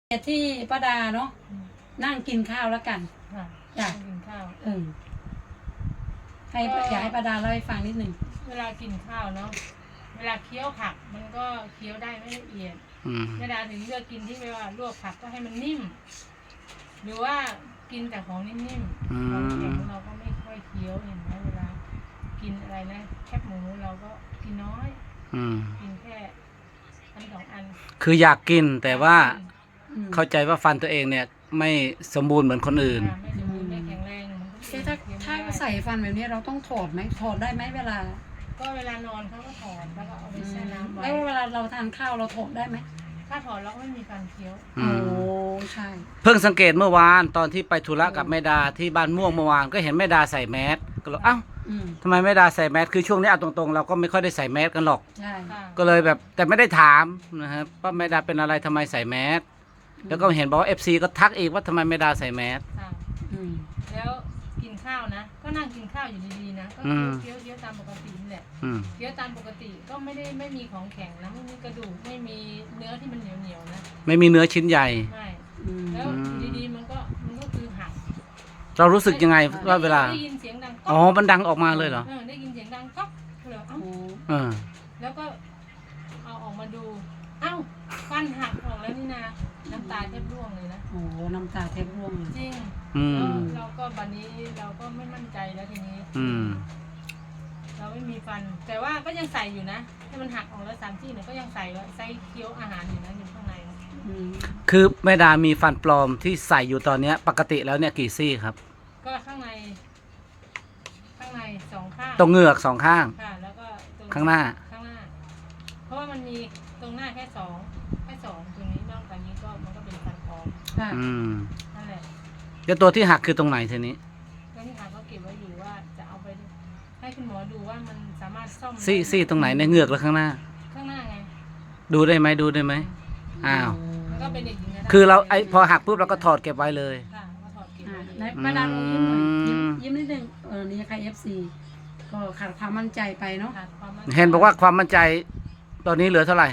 ที่ป้าดาเนาะนั่งกินข้าวแล้วกันจ้ะกินข้าวให้อยากให้ป้าดาเล่าให้ฟังนิดหนึ่งเวลากินข้าวเนาะเวลาเคี้ยวผักมันก็เคี้ยวได้ไม่ละเอียดเวลาถึงเลือกกินที่ไม่ว่าลวกผักก็ให้มันนิ่มหรือว่ากินแต่ของนิ่มๆของแข็งเราก็ไม่ค่อยเคี้ยวเห็นไหมเวลากินอะไรนะแคบหมูเราก็กินน้อยกินแค่อันสองอันคืออยากกินแต่ว่าเข้าใจว่าฟันตัวเองเนี่ยไม่สมบูรณ์เหมือนคนอื่นไม่สมบูรณ์ไม่แข็งแรงถ้าใส่ฟันแบบนี้เราต้องถอดไหมถอดได้ไหมเวลาก็เวลานอนเขาก็ถอดแล้วก็เอาไปแช่น้ำไว้แล้วเวลาเราทานข้าวเราถอดได้ไหมถ้าถอดเราก็ไม่มีฟันเคี้ยวโอ้ใช่เพิ่งสังเกตเมื่อวานตอนที่ไปธุระกับแม่ดาที่บ้านม่วงเมื่อวานก็เห็นแม่ดาใส่แมสก็เลยเอ้าทำไมแม่ดาใส่แมสคือช่วงนี้เอาตรงๆเราก็ไม่ค่อยได้ใส่แมสกันหรอกใช่ก็เลยแบบแต่ไม่ได้ถามนะครับว่าแม่ดาเป็นอะไรทำไมใส่แมสแล้วก็เห็นบอกว่า FC ก็ทักอีกว่าทำไมแม่ดาใส่แมสแล้วกินข้าวนะก็นั่งกินข้าวอยู่ดีๆนะก็เคี้ยวตามปกตินี่แหละเคี้ยวตามปกติก็ไม่มีของแข็งนะไม่มีกระดูกไม่มีเนื้อที่มันเหนียวๆนะไม่มีเนื้อชิ้นใหญ่ไม่แล้วดีๆมันก็คือหักเรารู้สึกยังไงว่าเวลาได้ยินเสียงดังอ๋อมันดังออกมาเลยเหรอได้ยินเสียงดังก๊อกเลยแล้วก็เอาออกมาดูเอ้าฟันหักออกแล้วนี่นะน้ำตาแทบร่วงเลยนะโอ้น้ำตาแทบร่วงจริงเราก็บัดนี้เราก็ไม่มั่นใจแล้วทีนี้เราไม่มีฟันแต่ว่าก็ยังใส่อยู่นะให้มันหักออกแล้ว3 ซี่เนี่ยก็ยังใส่เคี้ยวอาหารอยู่นะอยู่ข้างในคือแม่ดามีฟันปลอมที่ใส่อยู่ตอนนี้ปกติแล้วเนี่ยกี่ซี่ครับก็ข้างใน2 ข้างตรงเหงือก2 ข้างแล้วก็ข้างหน้าเพราะว่ามันมีตรงหน้าแค่2ตรงนี้นอกจากนี้ก็มันก็เป็นฟันปลอมนั่นแหละแล้วตัวที่หักคือตรงไหนทีนี้ตัวที่หักก็เก็บไว้อยู่ว่าจะเอาไปให้คุณหมอดูว่ามันสามารถซ่อมซี่ตรงไหนในเหงือกหรือข้างหน้าไงดูได้ไหมอ้าวแล้วก็เป็นเด็กหญิงคือเราพอหักปุ๊บเราก็ถอดเก็บไว้เลยก็ถอดเก็บไว้ในป้าดาลงยิ้มหน่อยยิ้มนิดนึงนี่ใคร FC ก็ขาดความมั่นใจไปเนาะเห็นบอกว่าความมั่นใจตอนนี้เหลือเท่าไหร่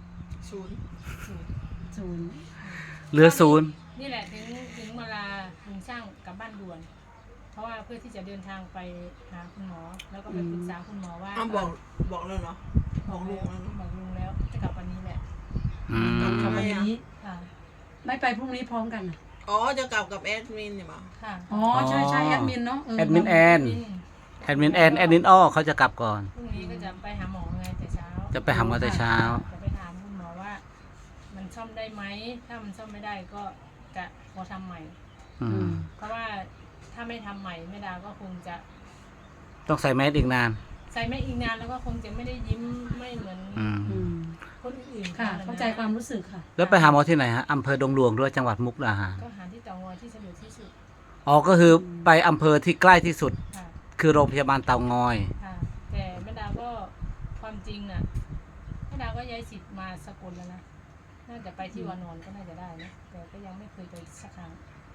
0 เหลือ0 นี่แหละถึงเวลาลุงช่างกลับบ้านด่วนเพราะว่าเพื่อที่จะเดินทางไปหาคุณหมอแล้วก็ไปปรึกษาคุณหมอว่าบอกเลยเหรอบอกลุงแล้วจะกลับวันนี้แหละกลับวันนี้ไม่ไปพรุ่งนี้พร้อมกันอ๋อจะกลับกับแอดมินเนี่ยมั้งอ๋อใช่แอดมินเนาะแอดมินแอนแอดมินอ้อเขาจะกลับก่อนพรุ่งนี้ก็จะไปหาหมอไงแต่เช้าจะไปหาหมอแต่เช้าจะไปถามคุณหมอว่ามันซ่อมได้ไหมถ้ามันซ่อมไม่ได้ก็จะขอทำใหม่เพราะว่าถ้าไม่ทำใหม่แม่ดาก็คงจะต้องใส่แมสอีกนานใส่แมสอีกนานแล้วก็คงจะไม่ได้ยิ้มไม่เหมือนคนอื่นค่ะเข้าใจความรู้สึกค่ะแล้วไปหาหมอที่ไหนฮะอำเภอดงหลวงด้วยจังหวัดมุกดาหารก็หาที่เตางอยที่สะดวกที่สุดอ๋อก็คือไปอำเภอที่ใกล้ที่สุดคือโรงพยาบาลเตางอยแต่แม่ดาก็ความจริงน่ะแม่ดาก็ย้ายสิทธิ์มาสกลแล้วนะน่าจะไปที่วานอนก็น่าจะได้นะแต่ก็ยังไม่เคยไปสักครั้ง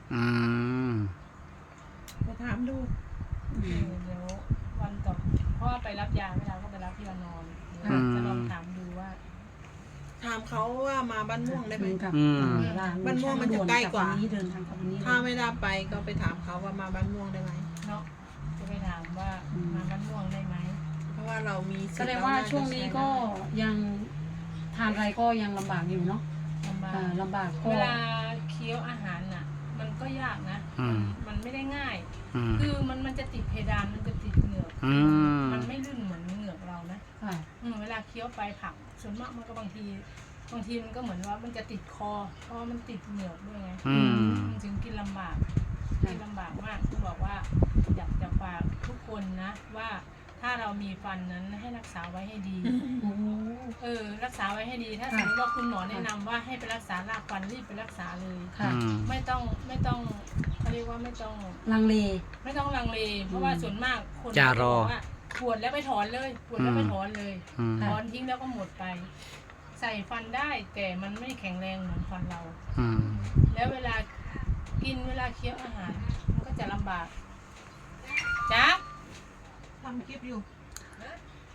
ไปถามดูเดี๋ยววันต่อเพราะว่าไปรับยาแม่ดาก็ไปรับที่วานอนจะลองถามดูว่าถามเขาว่ามาบ้านม่วงได้ไหมบ้านม่วงมันจะใกล้กว่าถ้าไม่ได้ไปก็ไปถามเขาว่ามาบ้านม่วงได้ไหมเนาะจะไปถามว่ามาบ้านม่วงได้ไหมเพราะว่าเรามีแสดงว่าช่วงนี้ก็ยังทานอะไรก็ยังลำบากอยู่เนาะลำบากเวลาเคี้ยวอาหารน่ะมันก็ยากนะมันไม่ได้ง่ายคือมันจะติดเพดานมันจะติดเหงือกมันไม่ลื่นเหมือนเหงือกเรานะเวลาเคี้ยวไปผักส่วนมากมันก็บางทีมันก็เหมือนว่ามันจะติดคอเพราะมันติดเหงือกด้วยไงจึงกินลำบากมากต้องบอกว่าอยากจะฝากทุกคนนะว่าถ้าเรามีฟันนั้นให้รักษาไว้ให้ดีรักษาไว้ให้ดีถ้าสมมติว่าคุณหมอแนะนำว่าให้ไปรักษารากฟันรีบไปรักษาเลยไม่ต้องเขาเรียกว่าไม่ต้องลังเลเพราะว่าส่วนมากคนจะรอปวดแล้วไปถอนเลยถอนทิ้งแล้วก็หมดไปใส่ฟันได้แต่มันไม่แข็งแรงเหมือนฟันเราแล้วเวลากินเวลาเคี้ยวอาหารมันก็จะลำบากจ้าทำคลิปอยู่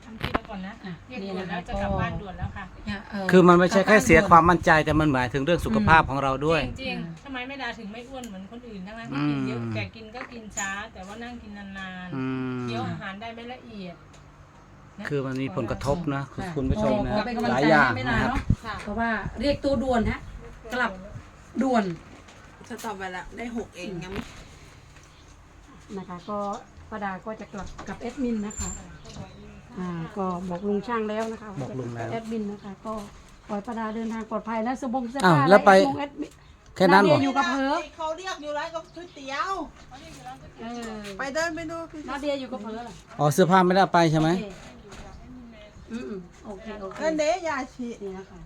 ทำคลิปแล้วก่อนนะเรียกด่วนแล้วจะกลับบ้านด่วนแล้วค่ะคือมันไม่ใช่แค่เสียความมั่นใจแต่มันหมายถึงเรื่องสุขภาพของเราด้วยจริงๆทำไมแม่ดาถึงไม่อ้วนเหมือนคนอื่นทั้งนั้นที่กินเยอะแต่กินก็กินช้า แต่ว่านั่งกินนานๆเคี้ยวอาหารได้ไม่ละเอียดนะคือมันมีผลกระทบนะคุณผู้ชมนะขอเป็นกำลังหลายใจอย่างให้ไม่นานนะครับเนาะเพราะว่าเรียกตัวด่วนฮะกลับด่วนจะตอบไปแล้วได้6เองยังไม่นะคะก็ป้าดาก็จะกลับกับแอดมินนะคะก็บอกลุงช่างแล้วนะคะบอกลุงแล้วแอดมินนะคะก็ปล่อยป้าดาเดินทางปลอดภัยและสบงเสื้ออ้าวผ้าแล้วไปแอดมินแค่นั้นเหรอนาเดียอยู่กับเธอเขาเรียกอยู่ร้านกับก๋วยเตี๋ยวเออไปเดินไปดูพี่นาเดียอยู่กับเธอเหรออ๋อเสื้อผ้าไม่ได้เอาไปใช่ไหมโอเคโอเคนั่นเด้ยาชีนี่นะคะ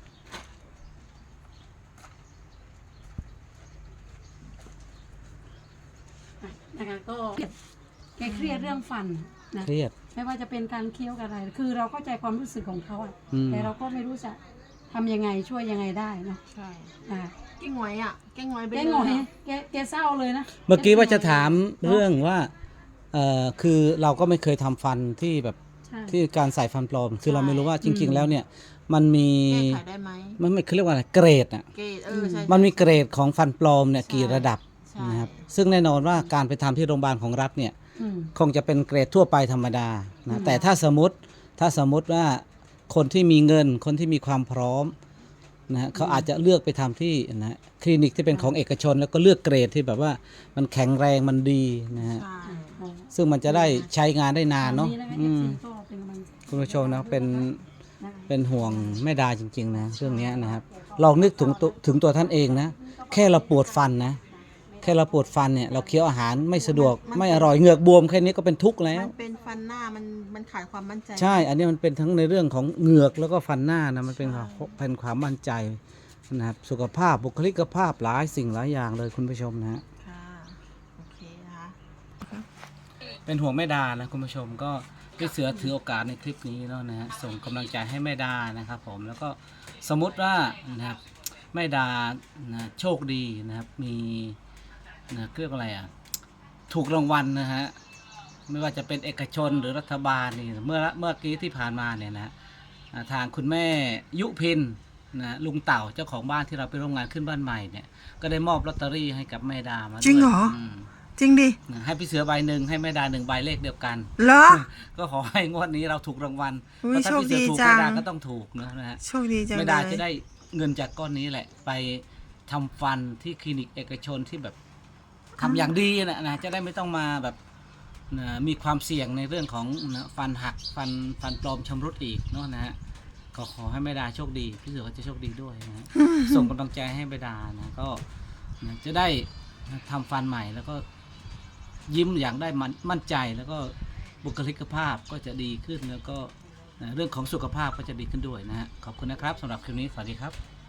นะคะก็แกเครียดเรื่องฟันนะเครียดไม่ว่าจะเป็นการเคี้ยวกับอะไร คือเราเข้าใจความรู้สึกของเขาอะอืมแต่เราก็ไม่รู้จะทำยังไงช่วยยังไงได้เนาะใช่อ่าแกงหวยอ่ะแกงหวยไปแกเลยหงอยอะแกเศร้าเลยนะเมื่อกี้ว่าจะถามเรื่องว่าคือเราก็ไม่เคยทำฟันที่แบบใช่ที่การใส่ฟันปลอม คือเราไม่รู้ว่าจริง ๆ แล้วเนี่ยมันมีแก้ไขได้ไหมมันไม่เขาเรียกว่าอะไรเกรดอ่ะเกตใช่มันมีเกรดของฟันปลอมเนี่ยใช่กี่ระดับใช่นะครับซึ่งแน่นอนว่าการไปทำที่โรงพยาบาลของรัฐเนี่ยอืมคงจะเป็นเกรดทั่วไปธรรมดาอืนะมแต่ถ้าสมมติว่าคนที่มีเงินคนที่มีความพร้อมนะฮะเขาอาจจะเลือกไปทำที่นะคลินิกที่เป็นของเอกชน แล้วก็เลือกเกรดที่แบบว่ามันแข็งแรงมันดีนะฮะใช่อ๋อซึ่งมันจะได้ใช้งานได้นานเนาะตรงนะคะอืม FC ก็เป็นกำลังใจคุณผู้ชมนะเป็นนะคะเป็นห่วงแม่ดาจริงๆนะเรื่องเนี้ยนะครับลองนึกถึงตัวท่านเองนะแค่เราปวดฟันนะแค่เราปวดฟันเนี่ยเราเคี้ยวอาหารไม่สะดวกไม่อร่อยเหงือกบวมแค่นี้ก็เป็นทุกข์แล้วมันเป็นฟันหน้ามันขาดความมั่นใจใช่ อันนี้มันเป็นทั้งในเรื่องของเหงือกแล้วก็ฟันหน้านะมันเป็นความมั่นใจนะครับสุขภาพบุคลิกภาพหลายสิ่งหลายอย่างเลยคุณผู้ชมนะฮะค่ะโอเคนะคะเป็นห่วงแม่ดานะคุณผู้ชมก็พี่เสือถือโอกาสในคลิปนี้แล้วนะฮะส่งกำลังใจให้แม่ดานะครับผมแล้วก็สมมติว่านะครับแม่ดานะโชคดีนะครับมีนะเรียกอะไรอ่ะถูกรางวัลนะฮะไม่ว่าจะเป็นเอกชนหรือรัฐบาลนี่เมื่อกี้ที่ผ่านมาเนี่ยนะทางคุณแม่ยุพินนะลุงเต่าเจ้าของบ้านที่เราไปร่วมงานขึ้นบ้านใหม่เนี่ยก็ได้มอบลอตเตอรี่ให้กับแม่ดามาด้วยจริงเหรอมจริงดิให้พี่เสือใบหนึ่งให้แม่ดา1 ใบเลขเดียวกันเหรอก็ขอให้งวดนี้เราถูกรางวัลอุ๊เพยราะถ้าพี่เสือถูกโชคดีจังแม่ดาก็ต้องถูกนะฮะโชคดีจังแม่เลดาย จะได้เงินจากก้อนนี้แหละ ไปทำฟันที่คลินิกเอกชนที่แบบทำอย่างดีนะจะได้ไม่ต้องมาแบบมีความเสี่ยงในเรื่องของฟันหักฟันปลอมชำรุดอีกเนาะนะฮะก็ขอให้แม่ดาโชคดีพี่เสือก็จะโชคดีด้วยนะฮะ ส่งกำลังใจให้แม่ดานะก็จะได้ทำฟันใหม่แล้วก็ยิ้มอย่างได้มั่นใจแล้วก็บุคลิกภาพก็จะดีขึ้นแล้วก็เรื่องของสุขภาพก็จะดีขึ้นด้วยนะฮะขอบคุณนะครับสำหรับคลิปนี้สวัสดีครับ